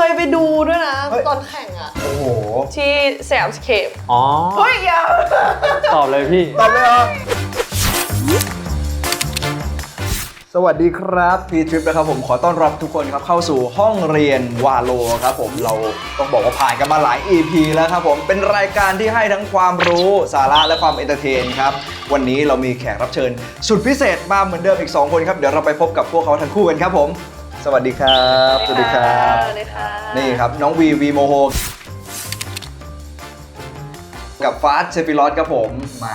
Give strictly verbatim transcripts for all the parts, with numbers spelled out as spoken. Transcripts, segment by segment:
ยไปดูด้วยนะตอนแข่งอ่ะโอ้โหที่สยามสเคปอ๋อเฮ้ยอย่าตอบเลยพี่ตอบเลยเหรอสวัสดีครับพีทริปนะครับผมขอต้อนรับทุกคนครับเข้าสู่ห้องเรียนวาโลครับผมเราต้องบอกว่าผ่านกันมาหลาย อี พี แล้วครับผมเป็นรายการที่ให้ทั้งความรู้สาระและความเอนเตอร์เทนครับวันนี้เรามีแขกรับเชิญสุดพิเศษมาเหมือนเดิมอีกสองคนครับเดี๋ยวเราไปพบกับพวกเขาทั้งคู่กันครับผมสวัสดีครับสวัสดีครับสวัสดีค่ะนี่ครับน้องวีวีโมโฮกับฟาสเซฟิลอสครับผมมา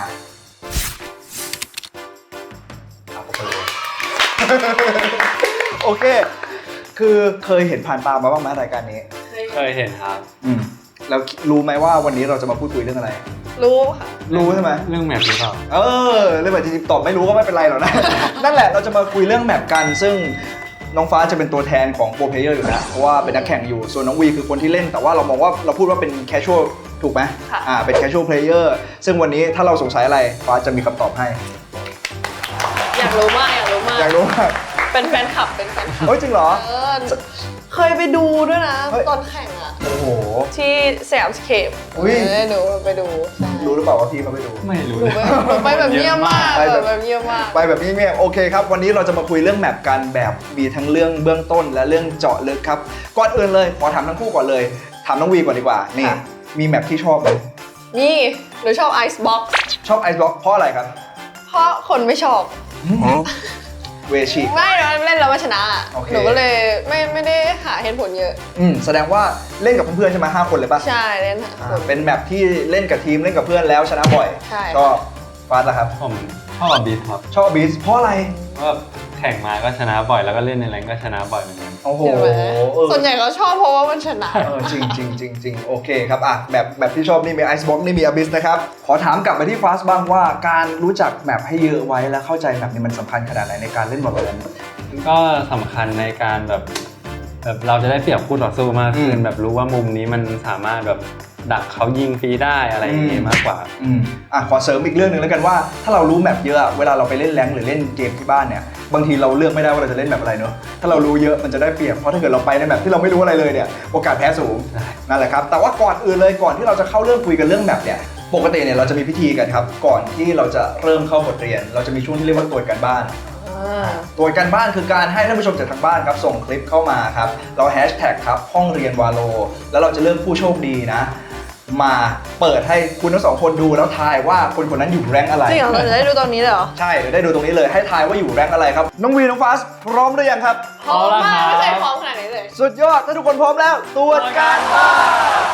โอเคคือเคยเห็นผ่านตามาบ้างไหมรายการนี้เคยเห็นครับอืมแล้วรู้ไหมว่าวันนี้เราจะมาพูดคุยเรื่องอะไรรู้ค่ะรู้ใช่ไหมเรื่องแมปหรือเปล่าเออเรื่องแบบจริงๆตอบไม่รู้ก็ไม่เป็นไรหรอกนะ นั่นแหละเราจะมาคุยเรื่องแมปกันซึ่งน้องฟ้าจะเป็นตัวแทนของโปรเพลเยอร์อยู่นะเพราะว่าเป็นนักแข่งอยู่ส่วนน้องวีคือคนที่เล่นแต่ว่าเรามองว่าเราพูดว่าเป็นแคชชวลถูกไหมค่ะอ่าเป็นแคชชวลเพลเยอร์ซึ่งวันนี้ถ้าเราสงสัยอะไรฟ้าจะมีคำตอบให้อยากรู้มากอยากรู้มากอยากรู้มากเป็นแฟนคลับเป็นแฟนคลับเฮ้ยจริงเหรอเออเคยไปดูด้วยนะตอนแข่งอ่ะโอ้โหที่สยามสเคปอุ้ยหนูไปดูรู้หรือเปล่าว่าพี่เขาไปดูไม่รู้หนูไปแบบเงียบมากไปแบบเงียบมากไปแบบเงียบโอเคครับวันนี้เราจะมาคุยเรื่องแมปกันแบบมีทั้งเรื่องเบื้องต้นและเรื่องเจาะลึกครับก่อนอื่นเลยขอถามทั้งคู่ก่อนเลยถามน้องวีก่อนดีกว่านี่มีแมปที่ชอบไหมนี่หนูชอบไอซ์บ็อกซ์ชอบไอซ์บ็อกซ์เพราะอะไรครับเพราะคนไม่ชอบเวชิไม่เล่นแล้วมาชนะหนูก็เลยไม่ไม่ได้หาเหตุผลเยอะอืมแสดงว่าเล่นกับเพื่อนๆใช่ไหมห้าคนเลยป่ะใช่เล่นเป็นแมปที่เล่นกับทีมเล่นกับเพื่อนแล้วชนะบ่อยใช่ก็ฟาสละครับผมชอบบีทครับชอบบีทเพราะอะไรเพราะแข่งมาก็ชนะบ่อยแล้วก็เล่นในแรงก็ชนะบ่อยเหมือนกันโอ้โหส่วนใหญ่เขาชอบเพราะว่ามันชนะเออจริงจริงจริงจริงโอเคครับอ่ะแบบแบบที่ชอบนี่มีไอซ์บ็อกนี่มีอบิสนะครับขอถามกลับไปที่ฟาสบ้างว่าการรู้จักแมปให้เยอะไว้และเข้าใจแมปนี้มันสำคัญขนาดไหนในการเล่นบอลเลนก็สำคัญในการแบบแบบเราจะได้เปรียบคู่ต่อสู้มากขึ้นแบบรู้ว่ามุมนี้มันสามารถแบบดักเขายิงฟรีได้อะไรอย่างงี้มากกว่าอืมอ่ะขอเสริมอีกเรื่องนึงแล้วกันว่าถ้าเรารู้แมปเยอะเวลาเราไปเล่นแรงหรือเล่นเกมที่บ้านเนี่ยบางทีเราเลือกไม่ได้ว่าเราจะเล่นแมปอะไรเนอะถ้าเรารู้เยอะมันจะได้เปรียบเพราะถ้าเกิดเราไปในแมปที่เราไม่รู้อะไรเลยเนี่ยโอกาสแพ้สูงนั่นแหละครับแต่ว่าก่อนอื่นเลยก่อนที่เราจะเข้าเรื่องคุยกันเรื่องแมปเนี่ยปกติเนี่ยเราจะมีพิธีกันครับก่อนที่เราจะเริ่มเข้าบทเรียนเราจะมีช่วงที่เรียกว่าตรวจการบ้านตรวจการบ้านคือการให้ท่านผู้ชมจากทางบ้านครับส่งคลิปเข้ามาครับเราแฮชแท็กครับห้องเรียนวาโลแล้วเราจะเลือกผู้โชคดีนะมาเปิดให้คุณทั้งสองคนดูแล้วทายว่าคนคนนั้นอยู่แรงอะไรจริงเหรอเราจะได้ดูตรงนี้เลยเหรอใช่ได้ดูตรงนี้เลยให้ทายว่าอยู่แรงอะไรครับน้องวีน้องฟาสพร้อมหรือยังครับพร้อมมากไม่เคยพร้อมขนาดนี้เลยสุดยอดถ้าทุกคนพร้อมแล้วตรวจการบ้าน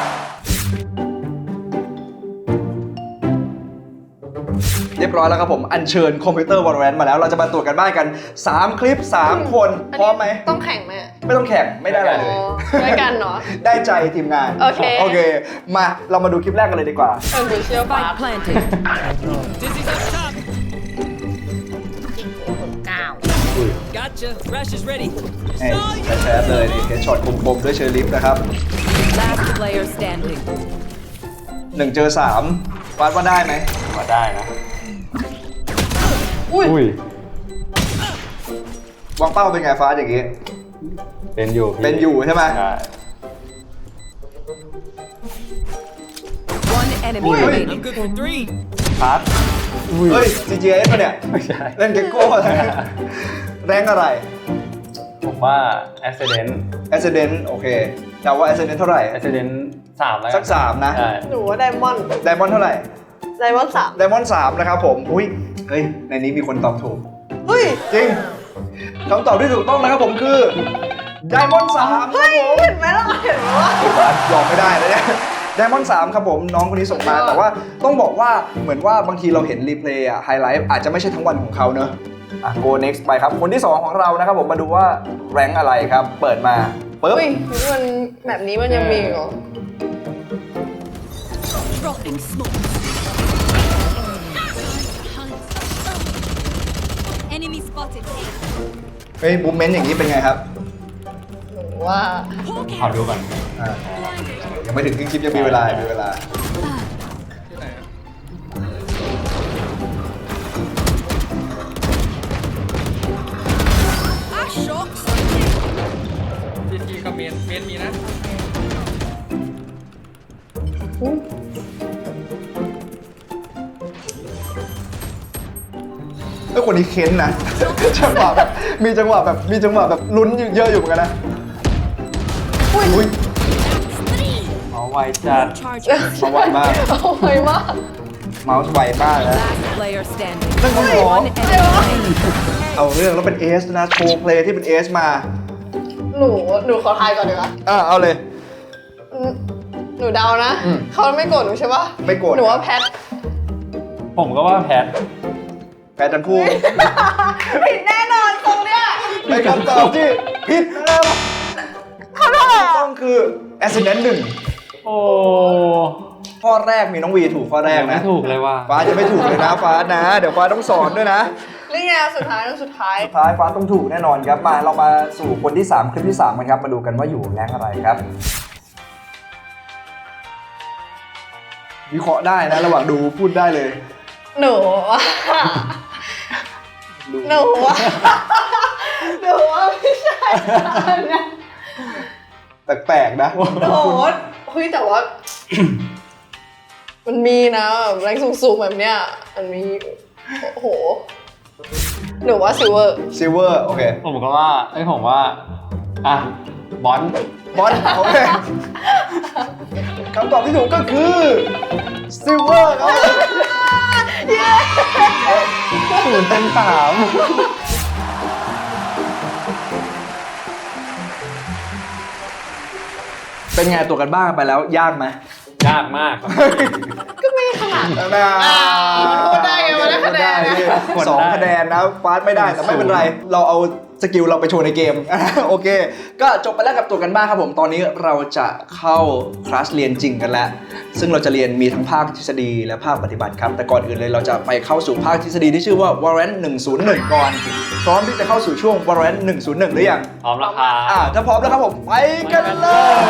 เรียบร้อยแล้วครับผมอัญเชิญคอมพิวเตอร์ Valorant มาแล้วเราจะมาตรวจกันบ้านกันสามคลิปสามคนพร้อมไหมต้องแข่งไหมไม่ต้องแข่งไม่ได้อะไรเลยได้กันเนาะได้ใจทีมงานโอเคโอเคมาเรามาดูคลิปแรกกันเลยดีกว่าเออหนูเชื่อฟ้า Gotcha. Rush is ready. แชร์เลยนี่เฮดช็อตคมๆด้วยเชอร์ลิฟนะครับ Last player standing. หนึ่งเจอสามฟาดว่าได้ไหมว่าได้นะอุ้ยวางเป้าเป็นไงฟาดอย่างงี้เป็นอยู่เป็นอยู่ใช่ไหม One enemy remaining. I'm good for three. ฟาสเฮ้ย จี จี เอส ป่ะเนี่ยไม่ใช่เล่นเก็กโก้อะไรแรงอะไรผมว่า Accident Accident โอเคเดาว่า Accident เท่าไหร่ Accident สามแล้วสักสามนะหนูว่าไดมอนด์ไดมอนด์เท่าไหร่ไดมอนด์สามไดมอนด์สามนะครับผมอุ้ยเฮ้ยในนี้มีคนตอบถูกเฮ้ยจริงคำตอบที่ถูกต้องนะครับผมคือไดมอนด์สามเฮ้ยเห็นไหมล่ะเห็นไหมว่ายอมไม่ได้เลยเนี่ยไดมอนด์สามครับผมน้องคนนี้ส่งมาแต่ว่าต้องบอกว่าเหมือนว่าบางทีเราเห็นรีเพลย์อะไฮไลท์อาจจะไม่ใช่ทั้งวันของเขาเนอะอ่ะ go next ไปครับคนที่สองของเรานะครับผมมาดูว่าแรงอะไรครับเปิดมาปึ๊บอุ้ยมันแบบนี้มันยังมีเหรอ Dropping smoke. Enemy spotted. เฮ้ยบูมเมนต์อย่างนี้เป็นไงครับหนูว่าขอดูก่อนอ่ายังไม่ถึงครึ่งคลิปยังมีเวลามีเวลาพี่ก็กับเมนเมนมีนะไอ้คนนี้เค้นนะ จังหวะแบบมีจังหวะแบบมีจังหวะแบบลุ้นเยอะอยู่เหมือนกันนะอุ้ยเอาไวจัด Charges. มาไวมากเอาไวมากเมาส์ไวมากนะ Last player standing. นั่นก็หรอ One enemy remaining. เอาเรื่องแล้วเป็นเอสนะโชว์เพลย์ที่เป็นเอสมาหนูหนูขอทายก่อนดีกว่าอ่ะเอาเลยอืมหนูเดานะอืมเขาไม่โกรธหนูใช่ปะไม่โกรธหนูว่าแพทผมก็ว่าแพทแพ้ทั้งคู่ผิดแน่นอนตรงเนี้ยเป็นคำตอบที่ผิดนะครับต้องคือ Accident หนึ่งโอ้ข้อแรกมีน้องวีถูกข้อแรกไม่นะถูกเลยว่าฟ้าจะไม่ถูกเลยนะฟ้านะ เดี๋ยวฟ้าต้องสอนด้วยนะนี่ไงสุดท้ายสุดท้ายสุดท้ายฟ้าต้องถูกแน่นอนครับมาเรามาสู่คนที่สามคลิปที่สามกันครับมาดูกันว่าอยู่แรงอะไรครับวิเคราะห์ได้นะระหว่างดูพูดได้เลยหนูว่าหนูว่าหนูว่าไม่ใช่นะแปลกๆนะโอ้โหเฮ้ยแต่ว่า มันมีนะแบบแรงสูงๆแบบเนี้ยมันมีโอ้โหหนูว่าซิลเวอร์ซิลเวอร์โอเคผมก็ว่าไอ้ยผมว่า อ่ะ บอลบอลโอเคคำตอบที่ถูกก็คือซิลเวอร์ครับศูนย์เต็มสามเป็นไงตัวกันบ้างไปแล้วยากไหมยากมากครับก็ไม่ขนาดอ่าพูดได้ไงวะได้คะแนนได้พี่กดได้สองคะแนนนะฟาสไม่ได้แต่ไม่เป็นไร เราเอาสกิลเราไปโชว์ในเกม โอเค ก็จบไปแล้วกับตัวกันบ้างครับผมตอนนี้เราจะเข้าคลาสเรียนจริงกันแล้ว ซึ่งเราจะเรียนมีทั้งภาคทฤษฎีและภาคปฏิบัติครับแต่ก่อนอื่นเลยเราจะไปเข้าสู่ภาคทฤษฎีที่ชื่อว่า Valorant หนึ่งศูนย์หนึ่งก่อนพร้อมที่จะเข้าสู่ช่วง Valorant หนึ่งศูนย์หนึ่งหรือยังพร้อมแล้วครัอ่าบถ้าพร้อมแล้วครับผมไปกันเลย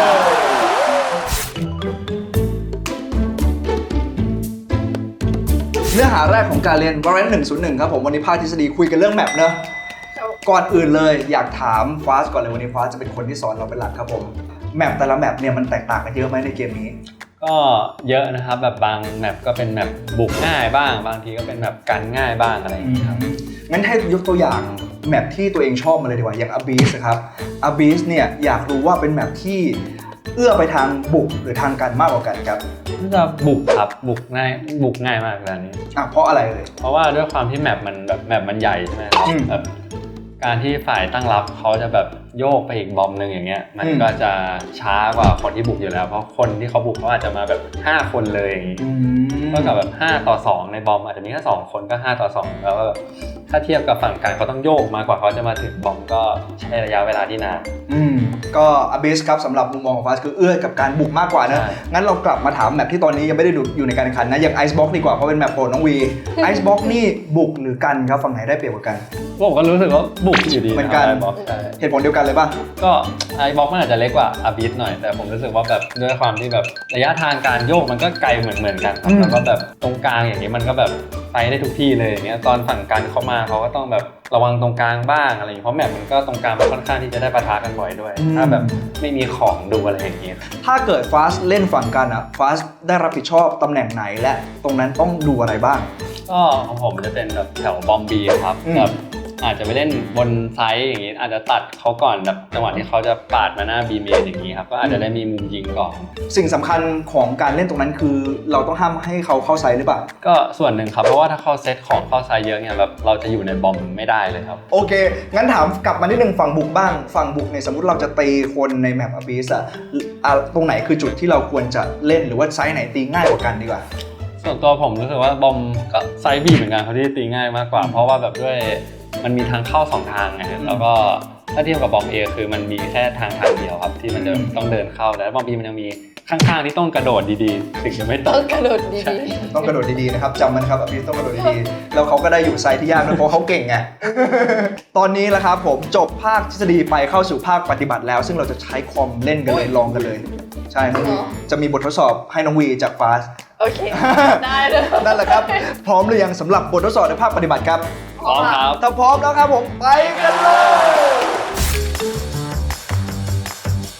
เนื้อหาแรกของการเรียน Valorant หนึ่งศูนย์หนึ่งครับผมวันนี้ภาคทฤษฎีคุยกันเรื่องแมปเนอะก่อนอื่นเลยอยากถามฟาสก่อนเลยวันนี้ฟาสจะเป็นคนที่สอนเราเป็นหลักครับผมแมปแต่ละแมปเนี่ยมันแตกต่างกันเยอะไหมในเกมนี้ก็เยอะนะครับแบบบางแมปก็เป็นแมปบุกง่ายบ้าง บางทีก็เป็นแมปกันง่ายบ้างอะไรอย่างเงี้ยครับงั้นให้ยกตัวอย่างแมปที่ตัวเองชอบมาเลยดีกว่าอย่าง Abyss นะครับ Abyss เนี่ยอยากรู้ว่าเป็นแมปที่เอื้อไปทางบุกหรือทางกันมากกว่ากันครับน่าจะบุกครับบุกง่ายบุกง่ายมากเลยอันนี้อ่ะเพราะอะไรเลยเพราะว่าด้วยความที่แมปมันแบบแมปมันใหญ่ใช่ไหมครับอืมแบบการที่ฝ่ายตั้งรับเขาจะแบบโยกไปอีกบอมหนึ่งอย่างเงี้ยมันอืมก็จะช้ากว่าคนที่บุกอยู่แล้วเพราะคนที่เขาบุกเขาอาจจะมาแบบห้าคนเลยอย่างงี้ก็กับแบบห้าต่อสองในบอมอาจจะมีแค่สองคนก็ห้าต่อสองแล้วก็ถ้าเทียบกับฝั่งกันเขาต้องโยกมากกว่าเขาจะมาถึงบอมก็ใช้ระยะเวลาที่นานอืมก็ Abyss ครับสำหรับมุมมองของฟาสคือเอื้อกับการบุกมากกว่านะใช่งั้นเรากลับมาถามแมปที่ตอนนี้ยังไม่ได้ดูอยู่ในการแข่งขันนะอย่าง Icebox ดีกว่าเพราะเป็นแมปโปรดน้องวี Icebox นี่บุกหรือกันครับฝั่งไหนได้เปรียบกว่ากันผมก็รู้สึกว่าบุกอยู่ดีเหมือนกันไอบ็อกใช่เหตุผลเดียวกันเลยป่ะก็ไอบ็อกมันอาจจะเล็กกว่าอาบิสหน่อยแต่ผมรู้สึกว่าแบบด้วยความที่แบบระยะทางการโยกมันก็ไกลเหมือนเหมือนกันครับอืมแล้วก็แบบตรงกลางอย่างนี้มันก็แบบไปได้ทุกที่เลยอย่างเงี้ยตอนฝั่งกันเขามาเขาก็ต้องแบบระวังตรงกลางบ้างอะไรอย่างเงี้ยเพราะแมปมันก็ตรงกลางมันค่อนข้างที่จะได้ปะทะกันบ่อยด้วย ถ้าแบบไม่มีของดูอะไรอย่างเงี้ยถ้าเกิดฟาสเล่นฝั่งกันอะฟาสได้รับผิดชอบตำแหน่งไหนและตรงนั้นต้องดูอะไรบ้างก็ของผมจะเป็นแบบแถวบอมบีครับอืมแบบอาจจะไปเล่นบนไซส์อย่างงี้อาจจะตัดเขาก่อนแบบจังหวะที่เขาจะปาดมาหน้าบีเมนอย่างงี้ครับก็อาจจะได้มีมุมยิงก่อนสิ่งสำคัญของการเล่นตรงนั้นคือ เราต้องห้ามให้เขาเข้าไซส์หรือเปล่าก็ส่วนหนึ่งครับเพราะว่าถ้าเขาเซตของเข้าไซส์เยอะเนี่ยแบบเราจะอยู่ในบอมไม่ได้เลยครับโอเค งั้นถามกลับมานิดนึงฝั่งบุกบ้าง ฝั่งบุกเนี่ยสมมติเราจะตีคนในแมป Abyss อะอ่ะตรงไหนคือจุดที่เราควรจะเล่นหรือว่าไซส์ไหนตีง่ายกว่ากันดีกว่าส่วนตัวผมรู้สึกว่าบอมก็ไซส์บีเหมือนกันเขาที่ตีง่ายมากกว่า เพราะว่าแบบด้วยมันมีทางเข้าสองทางไงแล้วก็ถ้าเทียบกับบอมเอคือมันมีแค่ทางทางเดียวครับที่มันจะต้องเดินเข้าแต่บอมบีมันยังมีข้างๆที่ต้องกระโดดดีๆถึงจะไม่ตต้กองกระโดดดีต้องกระโดดดีๆนะครับจำมันครับ Abyss ต้องกระโดดดีๆแล้วเขาก็ได้อยู่ไซส์ที่ยากด้วยเพราะเขาเก่งไง ตอนนี้แล้วครับผมจบภาคทฤษฎีไปเข้าสู่ภาคปฏิบัติแล้ว ซึ่งเราจะใช้คอมเล่นกันเลยลองกันเลย ใช่ครับจะมีบททดสอบให้น้องวีจากฟาสๆโอเค ได้เลยนั่นแหละครับ พร้อมหรือยังสำหรับบททดสอบในภาคปฏิบัติครับพร้อมครับถ้าพร้อมแล้วครับผมไปกันเลย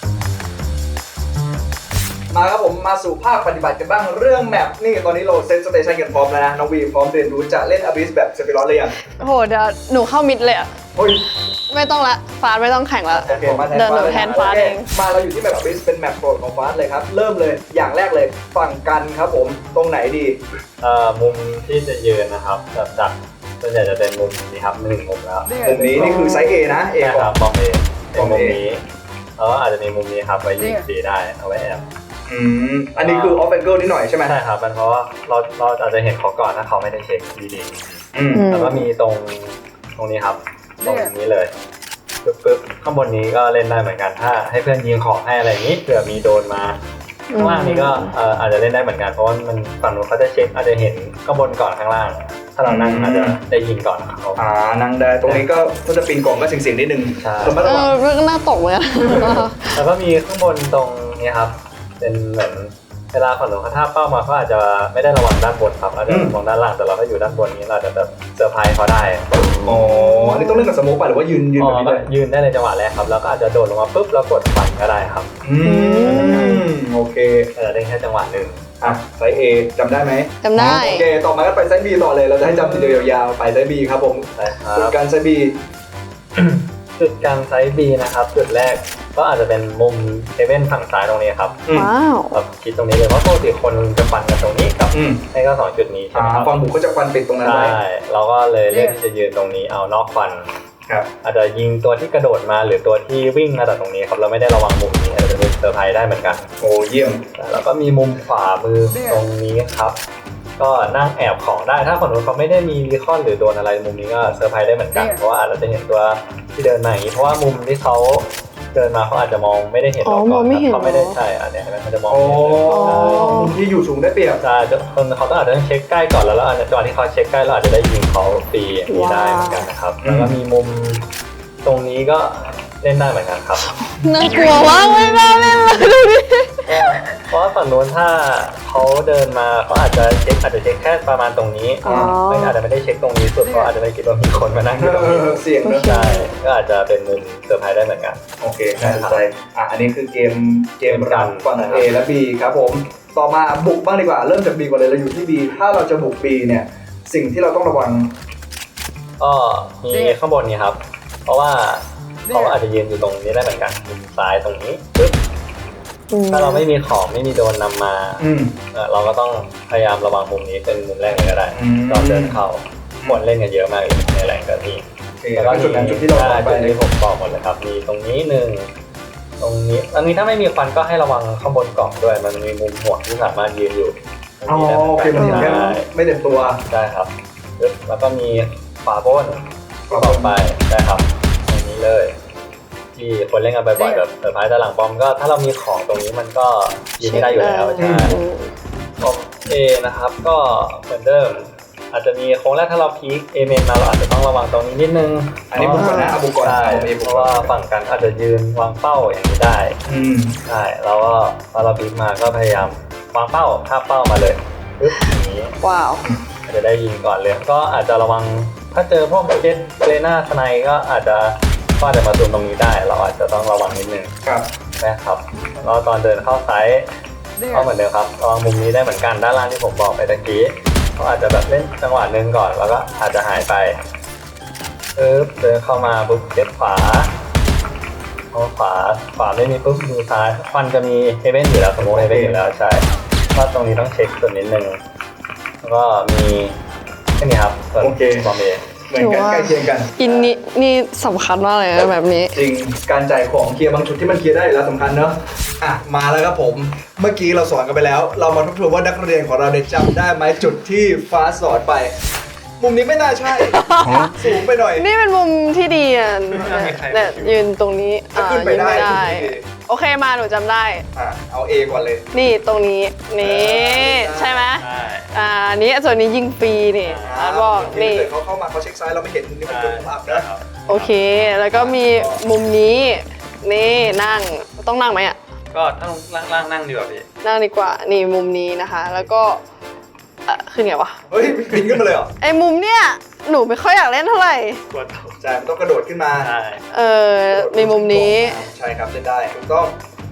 มาครับผมมาสู่ภาคปฏิบัติกันบ้างเรื่องแมปนี่ตอนนี้เราเซตสเตชันกันพร้อมแล้วนะน้องวีพร้อมเรียนรู้จะเล่นอบิสแบบเซฟิรอสเลยยังโอ้โหเดี๋ยวหนูเข้ามิดเลยอะโอ้ยไม่ต้องละฟาสไม่ต้องแข่งละโอเคมาแทนเดินฟ้าหนูเลยแทนฟ้าเองมาเราอยู่ที่แมปอบิสเป็นแมปโปรดของฟ้าเลยครับเริ่มเลยอย่างแรกเลยฝั่งกันครับผมตรงไหนดีเอ่อมุมที่จะยืนนะครับจากจากส่วนใหญ่จะเป็นมุมนี้ครับหนึ่งมุมแล้วมุมนี้นี่คือไซส์ A นะ A ใช่ก่คอรันบมองเอเป็นมมุองม A นี้แล้วก็อาจจะมีมุมนี้ครับไว้ยิงสีได้เอาไว้แอบอืมอันนี้คือออฟแองเกิลนิดหน่อยใช่ไหมใช่ครับมันเพราะว่าเราเราอาจจะเห็นเขาก่อนถ้าเขาไม่ได้เช็คดีอืมอืมๆแล้วก็มีตรงตรงนี้ครับตรงนี้เลยปึ๊บปึ๊บข้างบนนี้ก็เล่นได้เหมือนกันถ้าให้เพื่อนยิงของให้อะไรอย่างนี้เผื่อมีโดนมาข้างล่างนี้ก็เอ่ออาจจะเล่นได้เหมือนกันเพราะว่ามันฝั่งนู้นเขาจะเช็คอาจจะเห็นข้างบนก่อนข้างล่าง ถ้าเรานั่งอาจจะได้ยิงก่อนเขาอ่านั่งได้ตรงนี้ก็ถ้าจะปีนกล่องก็เสี่ยงๆนิดนึงใช่ระมัดเอระวังอเรื่องน่าตกเลยอะแล้วก็มีข้างบนตรงนี้ครับ เป็นเหมือนเวลาฝั่งหนูเขาท่าเป้ามาเขาอาจจะไม่ได้ระวังด้านบนครับอาจจะมองด้านล่างแต่เราก็อยู่ด้านบนนี้เราจะแบบเซอร์ไพรส์เขาได้อ๋ออันนี้ต้องเล่นกับสโมกป่ะหรือว่ายืนยืนอ๋แบบอนี้ก็เลยยืนได้ในจังหวะแรกครับแล้วก็อาจจะโดดลงมาปุ๊บแล้วกดปั่นก็ได้ครับอืมโอเคแต่จะได้แค่จังหวะหนึ่งอ่ะไซส์ A จำได้ไหมจำได้โอเคต่อมาก็ไปไซส์ B ต่อเลยเราจะให้จำทีเดียวยาวๆไปไซส์ B ครับผมใช่ครัจุดบการไซส์ B จุดกลางไซส์ B นะครับจุดแรกก็อาจจะเป็นมุมเฮเว่นฝั่งซ้ายตรงนี้ครับอืมว้าวแบบคิดตรงนี้เลยเพราะปกติคนจะปั่นกันตรงนี้กับอืมให้ก็สองจุดนี้ใช่อ่าไหมครับฟังบุกก็จะควันปิดตรงนั้นใช่ไว้เราก็เลยเลือกที่จะยืนตรงนี้เอานอกฟันครับอาจจะยิงตัวที่กระโดดมาหรือตัวที่วิ่งมาจากตรงนี้ครับเราไม่ได้ระวังมุมนี้อาจจะเป็นเซอร์ไพรส์ได้เหมือนกันโอ้เยี่ยมแล้วก็มีมุมขวามือตรงนี้ครับ ก็นั่งแอบของได้ถ้าคนนู้นเขาไม่ได้มีรีคอนหรือโดนอะไรมุมนี้ก็เซอร์ไพรส์ได้เหมือนกันเพราะว่าอาจจะเห็นตัวที่เดินมาอย่างนี้เพราะว่ามุมที่เขาเดินมาเขาอาจจะมองไม่ได้เห็นอ๋อเราก่อนมองไม่เห็นเขาไม่ได้เหรอใช่อันเนี้ยเห็นไหมเขาจะมองโอ้ไม่เห็นเลยมุมที่อยู่สูงได้เปรียบใช่คนเขาต้องอาจจะต้องเช็คใกล้ก่อนแล้วแล้วอาจจะจังหวะที่เขาเช็คใกล้เราอาจจะได้ยิงเขาฟรีอย่างนี้ได้เหมือนกันนะครับว้าวแล้วก็มีมุมตรงนี้ก็เล่นได้เหมือนกันครับน่ากลัวมากไม่น่าเล่นเลยดูดิเพราะว่าฝั่งนู้นถ้าเขาเดินมาเขาอาจจะเช็คอาจจะเช็คแค่ประมาณตรงนี้อ๋อไม่อาจจะไม่ได้เช็คตรงนี้สุดเพราะอาจจะไม่คิดว่ามีคนมานั่งอยู่ตรงนี้เสียงเนอะใช่ก็อาจจะเป็นมุมเซอร์ไพรส์ได้เหมือนกันโอเคน่าสนใจอ่ะอันนี้คือเกมเกมรันฝั่งนะครับ A และ B ครับผมต่อมาบุกบ้างดีกว่าเริ่มจาก B ก่อนเลยเราอยู่ที่ B ถ้าเราจะบุก B เนี่ยสิ่งที่เราต้องระวังก็มีข้างบนนี้ครับ เพราะว่าเขาอาจจะยืนอยู่ตรงนี้ได้เหมือนกันมุมซ้ายตรงนี้ปึ๊บอืมถ้าเราไม่มีของไม่มีโดนนำมาอืมเอ่อเราก็ต้องพยายามระวังมุมนี้เป็นมุมแรกเลยก็ได้อืมก่อนเดินเข้าคนเล่นกันเยอะมากเลยในแรงกะทิโอเคแล้วก็จุดนั้นจุดที่เราใช่ไปจุดที่ผมบอกหมดเลยครับ มีตรงนี้หนึ่งตรงนี้อันนี้ถ้าไม่มีควันก็ให้ระวังข้างบนกล่องด้วย มันมีมุมหัวที่สามารถยืนอยู่ตรงอ๋อนี้ได้หโอเคมันเห็นแค่ใช่ไม่เต็มตัวได้ครับปึ๊บแล้วก็มีฝาโบ้นต่อไปได้ครับตรงนี้เลย ที่คนเล่นกันบ่อยๆแบบเซอร์ไพรส์ด้านหลังบอมก็ถ้าเรามีของตรงนี้มันก็ยืนไม่ได้อยู่แล้วใช่อืมบอมเอนะครับก็เหมือนเดิมอาจจะมีโค้งแรกถ้าเราพีคเอเมนมาเราอาจจะต้องระวังตรงนี้นิดนึงอันนี้บุกก่อนนะเอาบุกก่อนใช่เอา A บุเพกราะก่อนว่าฝั่งกันอาจจะยืนวางเป้าอย่างนี้ได้อืมใช่แล้วก็พอเราพีคมาก็พยายามวางเป้าท่าเป้ามาเลยปึ๊บอย่างนี้ว้าวอาจจะได้ยิงก่อนเลยก็อาจจะระวังถ้าเจอพวกเจ็ตเกรน่าสไนก็อาจจะก็อาจจะมาซูมตรงนี้ได้ เราอาจจะต้องระวังนิดนึงครับนะครับแล้วตอนเดินเข้าไซส์ก็เหมือนเดิมครับระวังมุมนี้ได้เหมือนกันด้านล่างที่ผมบอกไปตะกี้เขาอาจจะแบบเล่นจังหวะหนึ่งก่อนแล้วก็อาจจะหายไปปึ๊บเดินเข้ามาปุ๊บเก็บขวาพอขวาขวาไม่มีปุ๊บดูซ้ายควันจะมีเฮเว่นอยู่แล้วสมมติเฮเว่นอยู่แล้วใช่ก็ตรงนี้ต้องเช็คส่วนนิดนึงแล้วก็มีแค่นี้ครับส่วนโอเคบอมเอเหมือนกันใกล้เคียงกันอินนี่นี่สำคัญมากเลยนะแบบนี้จริงการจ่ายของเคลียร์บางจุดที่มันเคลียร์ได้อยู่แล้วสำคัญเนอะอ่ะมาแล้วครับผมเมื่อกี้เราสอนกันไปแล้ว เรามาทบทวนว่านักเรียนของเราได้จำได้ไหมจุดที่ฟ้าสอนไป มุมนี้ไม่น่าใช่ สูงไปหน่อยนี่เป็นมุมที่ดีอ่ะเนี่ยยืนตรงนี้ถ้าอ่าขึ้นไปยืนได้ไม่ได้ขึ้นไปได้โอเคมาหนูจำได้อ่ะเอา A ก่อนเลยนี่ตรงนี้นี่ได้ใช่ไหมใช่อ่านี่ส่วนนี้ยิงฟรีนี่อาร์ตบอกนี่ถ้าเกิดเขาเข้ามาเขาเช็คซ้ายเราไม่เห็นมุมนี้มันเป็นมุมอับนะโอเค แล้วก็มีมุมนี้นี่นั่งต้องนั่งไหมอ่ะก็ต้องล่างๆนั่งดีกว่าพี่นั่งดีกว่านี่มุมนี้นะคะ แล้วก็เอ่อขึ้นไงวะเฮ้ยปีนขึ้นมาเลยเหรอไอ้มุมเนี้ยหนูไม่ค่อยอยากเล่นเท่าไหร่กดใช่มันต้องกระโดดขึ้นมาใช่เออมีมุมนี้ใช่ครับเล่นได้ถูกต้อง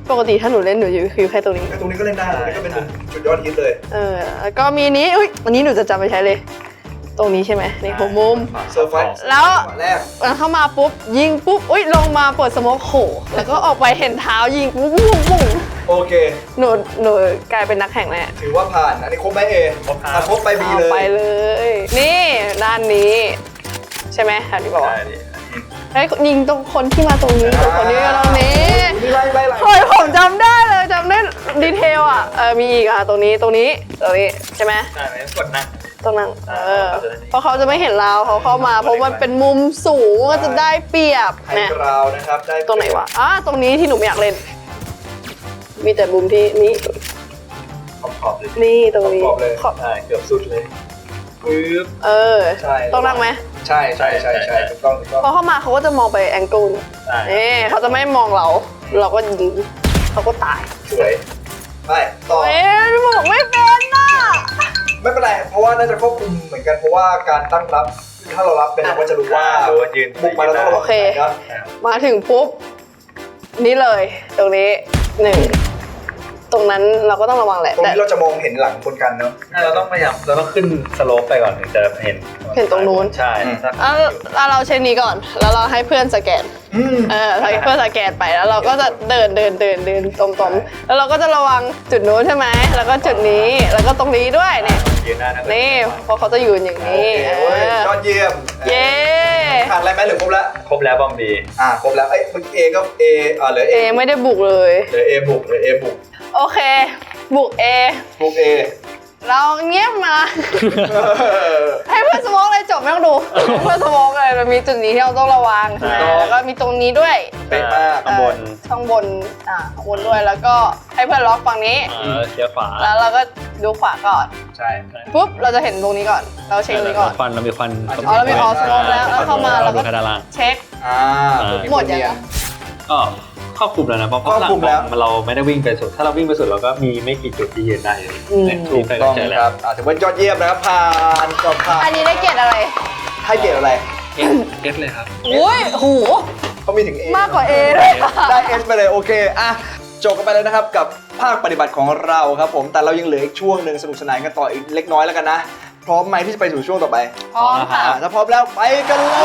ปกติถ้าหนูเล่นหนูอยู่คือแค่ตรงนี้ไอ้ตรงนี้ก็เล่นได้ตรงนี้ก็เป็นจุดยอดฮิตเลยเออแล้วก็มีนี้อุ้ยอันนี้หนูจะจำไปใช้เลย ตรงนี้ใช่ไหมในหัวมุมเซอร์ไฟส์แล้วแรกมันเข้ามาปุ๊บยิงปุ๊บอุ้ยลงมาเปิดสโมกโขแล้วก็ออกไปเห็นเท้ายิงปุ๊บปุ๊บปุ๊บโอเคหนูหนูกลายเป็นนักแข่งแน่ถือว่าผ่านอันนี้ครบไหมเอครบครับอ่ะครบไปบีเลไปยเลย นี่ด้านนี้ ใช่ไหมค่ะที่บอกว่าใช่ดิเฮ้ยยิงตรงคนที่มาตรงนี้ตรงคนที่มาตรงนี้นี่ไล่ไล่ไล่เฮ้ยผมจำได้เลยจำได้ดีเทลอ่ะเออมีอีกอ่ะตรงนี้ตรงนี้ตรงนี้ใช่ไหมใช่ไหมกดนั่งตรงนั้นเออเขาจะได้เพราะเขาจะไม่เห็นเราเขาเข้ามา เพราะมันเป็นมุมสูงก็จะได้เปรียบไฮเนี่ยกราวน์นะครับได้ตรงไหนวะอ่ะตรงนี้ที่หนูไม่อยากเล่น มีแต่มุมที่นี้ขอบขอบๆเลยนี่ตรงนี้ขอบๆเลยขอบใช่เกือบสุดเลยปึ๊บเออใช่ต้องนั่งไหมใช่ใช่ใช่ใช่ถูกต้องถูกต้องพอเข้ามาเขาก็จะมองไปแองเกิลใช่เอ๊เขาจะไม่มองเรา เราก็ยิงเขาก็ตายสวยไปต่อเอ๊ะบอกไม่เป็นน่ะไม่เป็นไร เพราะว่าน่าจะควบคุมเหมือนกัน เพราะว่าการตั้งรับ ถ้าเรารับเป็นเราก็จะรู้ว่าดูว่ายืนบุกมาแล้วต้องระวังโอเคนะมาถึงปุ๊บ นี่เลย ตรงนี้หนึ่งตรงนั้นเราก็ต้องระวังแหละตรงแต่นี้เราจะมองเห็นหลังคนกันเนาะเราต้องพยายามเราต้องขึ้นสโลปไปก่อนถึงจะเห็นเห็นตรงนู้นใช่อืมถ้าเอาเอาเราเช็คนี้ก่อน แล้วเราให้เพื่อนสแกนอืมเออให้เพื่อนสแกนไปแล้วเราก็จะเดินเดินเดินเดินตรงๆแล้วเราก็จะระวังจุดนู้นใช่ไหมแล้วก็จุดนี้แล้วก็ตรงนี้ด้วยเนี่ยยืนได้นะนี่เพราะเขาจะอยู่อย่างโอนี้เคเอเว้ยอยอดเยี่ยมเย้ขาดอะไรไหมหรือครบแล้วครบแล้วบอมดีอ่าครบแล้ว เอ้ยเมื่อกี้เอก็เออ่าเหลือเอเอไม่ได้บุกเลยเหลือเอบุกเหลือเอบุกโอเค บุกเอบุกเอเราเงียบมา ให้เพื่อนสโมองเลยจบไม่ต้องดู เพื่อนสโมองเลยมันมีจุดนี้ที่เราต้องระวังใช่ไหมแล้วก็มีตรงนี้ด้วยเป๊ะมากข้างบนเออข้างบนอ่าข้างบนด้วยแล้วก็ให้เพื่อนล็อกฝั่งนี้เออเชียร์ขวาแล้วเราก็ดูขวาก่อนใช่ปุ๊บเราจะเห็นตรงนี้ก่อน เราเช็คตรงนี้ก่อนควันเรามีควันอ๋อเรามีออสโมกแล้วแล้วเข้ามาเราก็ดูแค่ด้านล่างเช็คอ่าหมดยังก็ครอบคลุมแล้วนะเพราะครอบคลุมแล้วข้างหงเราไม่ได้วิ่งไปสุด ถ้าเราวิ่งไปสุดเราก็มีไม่กี่จุดที่ยืนได้เลยอืมเนี่ยถูกวิ่ไปต้องเจอคแล้วรับอ่าถือว่ายอดเยี่ยมนะครับผ่านก็ผ่านอันนี้ได้เกรดอะไรให้เกรดอะไรเอสเอสเลยครับอุ้ยโหเขามีถึง A มากกว่า A ด้วยได้ S ไปเลยโอเคอ่ะจบกันไปเลยนะครับกับภาคปฏิบัติของเราครับผมแต่เรายังเหลืออีกช่วงหนึ่งสนุกสนานกันต่ออีกเล็กน้อยแล้วกันนะพร้อมไหมที่จะไปสู่ช่วงต่อไปพร้อมค่ะอ่ะถ้าพร้อมแล้วไปกันเลย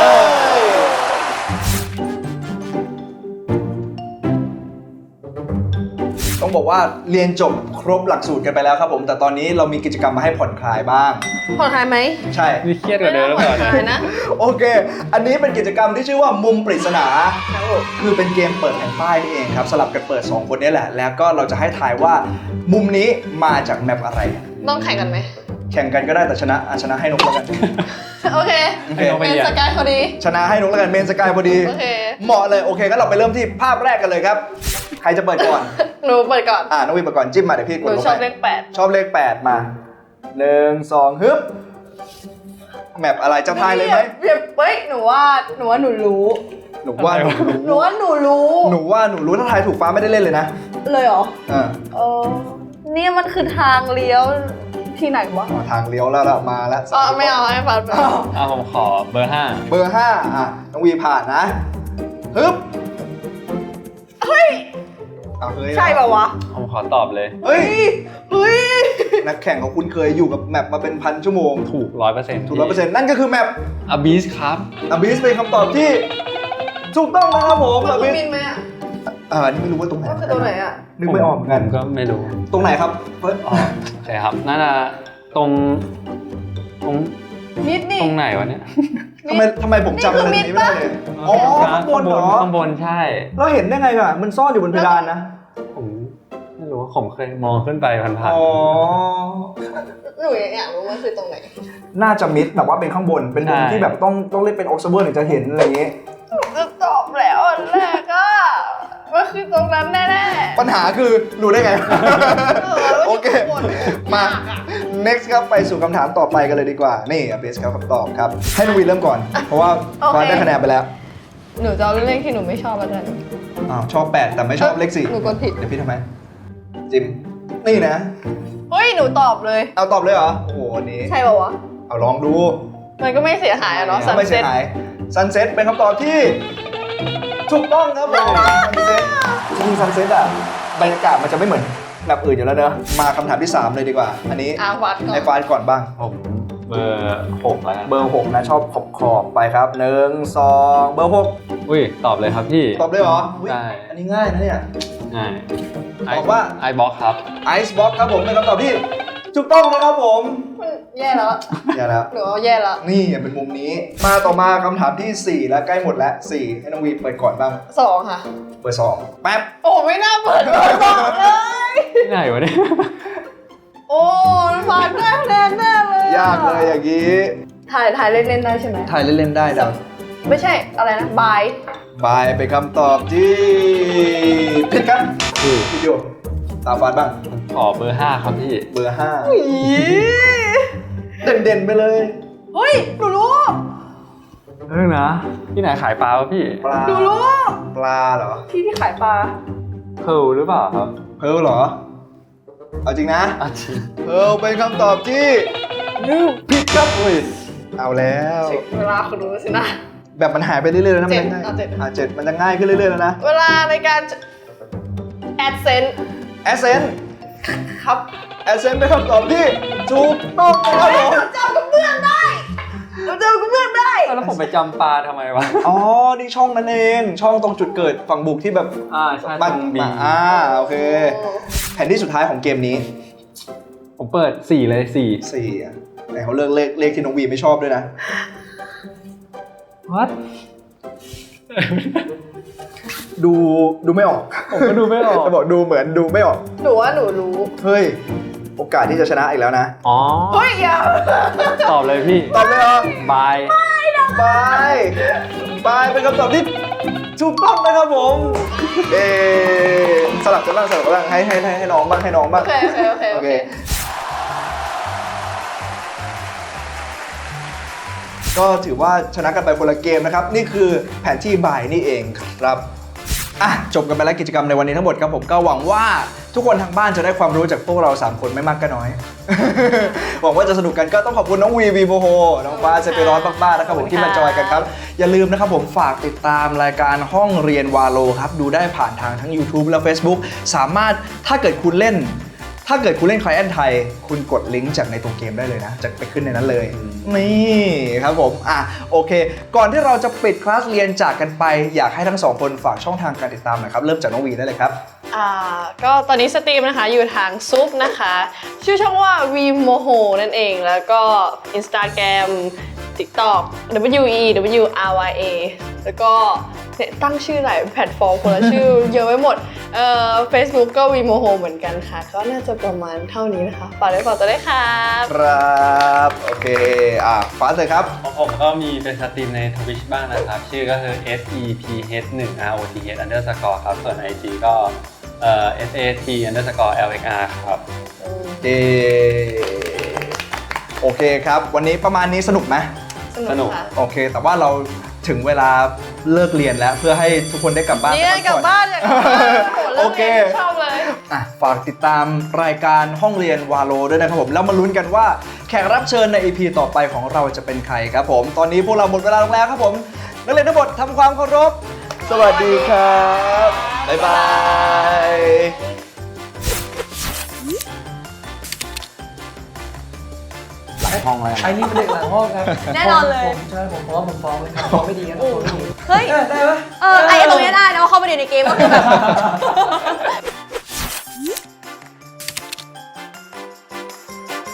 ต้องบอกว่าเรียนจบครบหลักสูตรกันไปแล้วครับผมแต่ตอนนี้เรามีกิจกรรมมาให้ผ่อนคลายบ้างผ่อนคลายไหมใช่นี่เครียดกว่าเดิมแล้วผ่ก่ออน นคนะลายนะโอเค อันนี้เป็นกิจกรรมที่ชื่อว่ามุมปริศนา คือเป็นเกมเปิดแผ่นป้ายนี่เองครับ สลับกันเปิด สอง คนนี้แหละ แล้วก็เราจะให้ทายว่ามุมนี้มาจากแมปอะไรต้องแข่งกันไหมแข่งกันก็ได้แต่ชนะอ่ะชนะให้นกแล้วกันโอเคโอเคเป็นสกายพอดีชนะให้นกแล้วกันเมนสกายพอดีโอเคเหมาะเลย โอเคก็เราไปเริ่มที่ภาพแรกกันเลยครับ ใครจะเปิดก่อนหนูเปิดก่อนอ่าน้องวินเปิดก่อนจิ้มมาเดี๋ยวพี่กหดนูลงชอบไปเลขแปดชอบเลขแปดมาหนึ่งสองฮึบแมปอะไรจะทายเลยไหมเดี๋ยวเฮ้ย หนูว่า หนูว่าหนูรู้หนูว่าหนูหนูว่าหนูรู้หนูว่าหนูรู้ถ้าทายถูกฟ้าไม่ได้เล่นเลยนะเลยเหรออ่าเออเนี่ยมันคือทางเลี้ยวที่ไหนวะอ๋อทางเลี้ยวแล้วละมาแล้วอ๋อไม่เอาให้ฟันอ้าวเอาผมขอเบอร์ห้าเบอร์ห้าอ่ะน้องวีผ่านนะฮึบเฮ้ยเอาเฮ้ยใช่ป่าวะผมขอตอบเลยเฮ้ยเฮ้ยนักแข่งของคุณเคยอยู่กับแมปมาเป็นพันชั่วโมงถูกร้อยเปอร์เซ็นต์ถูกร้อยเปอร์เซ็นต์นั่นก็คือแมปอบีสครับอบิสเป็นคำตอบที่ถูกต้องนะครับผมมันอต้บิองสบินไหมอ่ะอ่านี่ไม่รู้ว่าตรงไหนก็คือตรงไหนอ่ะนึกไม่ออกเหมือนผกันมก็ไม่รู้ตรงไหนครับเฟิร์สอ๋อโอเคครับน่าจะตรงตรงมิดนี่ตรงไหนวะเนี่ยทำไมทำไมผมจำอะไรนี้ไม่ได้เลยอ๋อข้างบนเหรอข้างบนใช่เราเห็นได้ไงอ่ะมันซ่อนอยู่บนเพดานนะผมไม่รู้ว่าผมเคยมองขึ้นไปผ่านอ๋อหนูอยากรู้ว่าคือตรงไหนน่าจะมิดแบบว่าเป็นข้างบนเป็นมุมที่แบบต้องต้องเล่นเป็น observer ถึงจะเห็นอะไรอย่างงี้หนูจะตอบแล้วอันแรกอ่ะว่าคือตรงนั้นแน่ๆปัญหาคือรู้ได้ไงเออโอเคมันมายากอะ next ครับไปสู่คำถามต่อไปกันเลยดีกว่า นี่อเบสครับคำตอบครับ ให้น้องวีเริ่มก่อน เพราะว่าโอเคฟ้าได้คะแนนไปแล้วหนูจะเอาเลขที่หนูไม่ชอบแล้วกันอ้าวชอบแปดแต่ไม่ชอบเลขสี่หนูกดผิดเดี๋ยวพี่ทำไม จิม นี่นะเฮ้ย หนูตอบเลยเอาตอบเลยเหรอ โอ้โหอันนี้ใช่ป่าวะเอาลองดูมันก็ไม่เสียหายอะเนาะไม่เสียหาย sunset เป็นคำตอบที่ ถูกต้องครับผม sunset จริง sunset อ่ะบรรยากาศมันจะไม่เหมือนแบบอื่นอยู่แล้วเนอะมาคำถามที่สามเลยดีกว่า อันนี้อาฟัดก่อนไอ้ฟาดก่อนบ้างผมเบอร์หกแล้วกันเบอร์หกนะชอบขอบขอบๆไปครับหนึ่งสองเบอร์หกอุ้ยตอบเลยครับพี่ตอบได้เหรออุ๊ยได้อันนี้ง่ายนะเนี่ยง่ายตอบว่าไอบ็อกครับ Ice Box ครับผมเป็นคำตอบที่ถูกต้องนะครับผมมันแย่แล้วอย่าแล้วหรือว่าแย่แล้วนี่เป็นมุมนี้ มาต่อมาคำถามที่สี่แล้วใกล้หมดแล้วสี่ให้น้องวีเปิดก่อนบ้างสองค่ะเบอร์สองแป๊บโอ้ไม่น่าเปิดเบอร์สองเลยที่ไหนวะเนี่ยโอ้ฟัดได้คะแนนแน่เลยยากเลยอย่างนี้ถ่ายถ่ายเล่นๆได้ใช่ไหมถ่ายเล่นๆได้ดังไม่ใช่อะไรนะบายบายเป็นคำตอบที่ผิดครับอือพี่โยตามฟาดบ้างขอเบอร์ห้าครับพี่เบอร์ห้าเด่นๆไปเลยเฮ้ยหนูรู้เออนะที่ไหนขายปลาวะพี่ปลาหนูรู้ปลาเหรอที่ที่ขายปลาเพลหรือเปล่าครับเพิร์ลเหรอ เอาจริงนะอาชีพเพิร์ลเป็นคำตอบที่ผิดครับอุ้ยเอาแล้วเช็คเวลาคุณรู้สินะแบบมันหายไปเรื่อยๆแล้วนะมันเจ็ดง่ายเอาเจ็ดอ่ะเจ็ดมันจะง่ายขึ้นเรื่อยๆแล้วนะเวลาในการแอดเซนแอสเซนครับแอสเซนเป็นคำตอบที่ถูกต้องนะครับผมเจ้ากับเพื่อนได้เราเจอกับเพื่อนได้แล้วผมไปจำปลาทำไมวะอ๋อ นี่ช่องนั่นเอง ช่องตรงจุดเกิดฝั่งบุกที่แบบอ่าใช่บ้านต้องมีอ่าโอเค แผนที่สุดท้ายของเกมนี้ผมเปิดสี่เลยสี่สี่อ่ะไหนเขาเลือกเลขเลขที่น้องวีไม่ชอบด้วยนะวัดดูดูไม่ออกผมก็ดูไม่ออกจะบอกดูเหมือนดูไม่ออกหนูว่าหนูรู้เฮ้ย โอกาสที่จะชนะอีกแล้วนะอ๋อเฮ้ยอย่าตอบเลยพี่ตอบเลยเหรอบายบายบายเป็นคำตอบที่ถูกต้องนะครับผม เออสลับกันบ้างสลับกันบ้างให้ให้ให้ให้น้องบ้างให้น้องโอบ้างเคโอเคโอเคโอเคก็ถือว่าชนะกันไปคนละเกมนะครับ นี่คือแผนที่บ่ายนี่เองครับอ่ะจบกันไปแล้วกิจกรรมในวันนี้ทั้งหมดครับผมก็หวังว่าทุกคนทางบ้านจะได้ความรู้จากพวกเราสามคนไม่มากก็น้อย หวังว่าจะสนุกกันก็ต้องขอบคุณน้องวีวีโบโฮน้องฟ้าเซเปร้อนมากๆนะครับผมที่มาจอยกันครับ อย่าลืมนะครับผมฝากติดตามรายการห้องเรียนวาโลครับดูได้ผ่านทางทั้ง YouTube และ Facebook สามารถถ้าเกิดคุณเล่น ถ้าเกิดคุณเล่นคลายแอนไทยคุณกดลิงก์จากในตัวเกมได้เลยนะ จะไปขึ้นในนั้นเลย นี่ครับผมอ่ะโอเค ก่อนที่เราจะปิดคลาสเรียนจากกันไปอยากให้ทั้งสองคนฝากช่องทางการติดตามหน่อยครับเริ่มจากน้องวีได้เลยครับอ่าก็ตอนนี้สตรีมนะคะอยู่ทางซุปนะคะ ชื่อช่องว่า วีโมโหนั่นเองแล้วก็ Instagram TikTok W E W R Y A แล้วก็เนี่ยตั้งชื่อหลายแพลตฟอร์มคนละชื่อ เยอะไปหมดเอ่อ Facebook ก็ วีโมโหเหมือนกันค่ะ ก็น่าจะประมาณเท่านี้นะคะฝากด้วยฝากตัวด้วยครับครับโอเคอ่ะฟ้าเลยครับของผมก็มีเป็นสตรีมใน Twitch บ้างนะครับ ชื่อก็คือ S E P H หนึ่ง R O T H underscore ครับ ส่วน ไอ จี ก็เอ่อ S A T underscore L X R ครับเอโอเคครับ วันนี้ประมาณนี้สนุกไหมสนุกค่ะโอเค แต่ว่าเราถึงเวลาเลิกเรียนแล้วเพื่อให้ทุกคนได้กลับบ้านนี่พักลับผ่อนบ้านอยากกลับบ้านโหเลิโอก เคเรียนชอบเลยอ่ะฝากติดตามรายการห้องเรียนวาโลด้วยนะครับผมแล้วมาลุ้นกันว่าแขกรับเชิญใน อี พี ต่อไปของเราจะเป็นใครครับผม ตอนนี้พวกเราหมดเวลาลงแล้วครับผมนักเรียนทั้งหมดทำความเคารพสวัสดีครับบ๊ายบายหลายห้องเลยไอ้นี่เป็นเด็กหลังห้องครับแน่นอนเลยผมใช่ผมเพราะว่าผมฟ้องเลยครับฟ้องไม่ดีครับฟ้องไม่ดีเฮ้ยเออได้ปะเออไอ้ตรงเนี้ยได้นะว่าเข้าไปเรียนในเกมก็คือแบบ